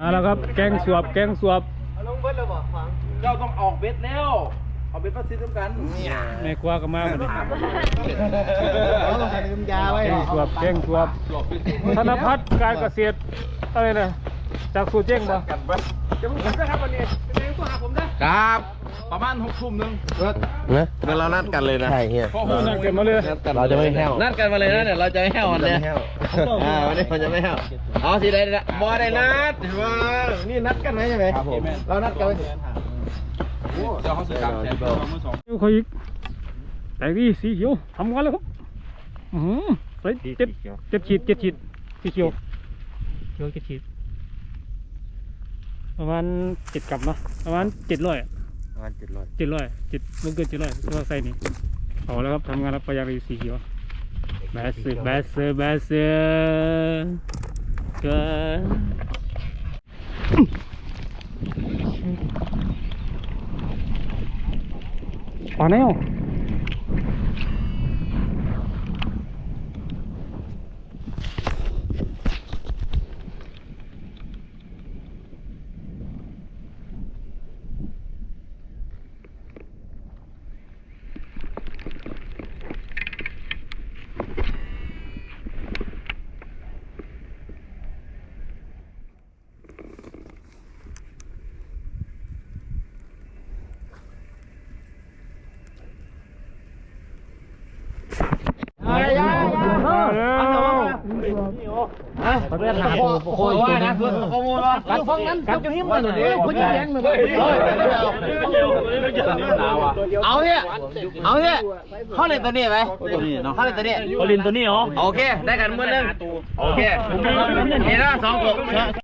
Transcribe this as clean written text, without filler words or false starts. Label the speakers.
Speaker 1: แล้วครับแกงสวบ
Speaker 2: ลงเบ็ดแล้วบ่ฟังเจ้าต้องออกเบ็ดแล้วเอาเบ็ดมาซิดด้วยกัน
Speaker 1: แม่ครัวก็มาหมดเลย
Speaker 2: ต้องใส่น้ำยาไว้
Speaker 1: แกงสวบธนพัฒน์การเกษตรอะไรนะจากสูตรเจ๊งป่ะจะมึงนะครับวันนี้เป็นไงตัวหาผมนะครับ
Speaker 2: ประมาณ6 ทุ่มนึง
Speaker 3: นะงั้นเรานัดกันเลยนะใช่เฮีย
Speaker 1: นัดกันมาเลย
Speaker 3: เราจะไม่แห้ว
Speaker 2: นัดกันมาเลยนะเนี่ยเราจะไม่แห้ววันนี้วันนี้เราจะไม่แห้วเอาสิได้บ่ได้นัดว่านี่นัดกันไหมใช่ไหมครับผมเรานัดกันเดี๋ยวเขาสื่อการแทน
Speaker 1: เขาอีกแต่นี่สีเขียวทำกันแล้วครับใส่เจ็ดขีดสีเขียว7 ขีดประมาณ7 กรัมเนาะประมาณ700มันเกินตัวใส่นี่เอาแล้วครับทำงานรับประหยัดสีเขียวแบสเซอร์ก็ปาแนว
Speaker 2: โอ้ยว่านะส่วนข้อมูลว่าการฟังนั้นการจะหิ้มมันหน่อยดิคุณจะแย่งมันเอาเนี่ยเข้าเล่นตัวนี้ไหมเข้าเล่นตัวนี้
Speaker 1: เขาลินตัวนี้เหรอ
Speaker 2: โอเคได้กันเมื่อนึงโอเคนี่นะ2 ตัว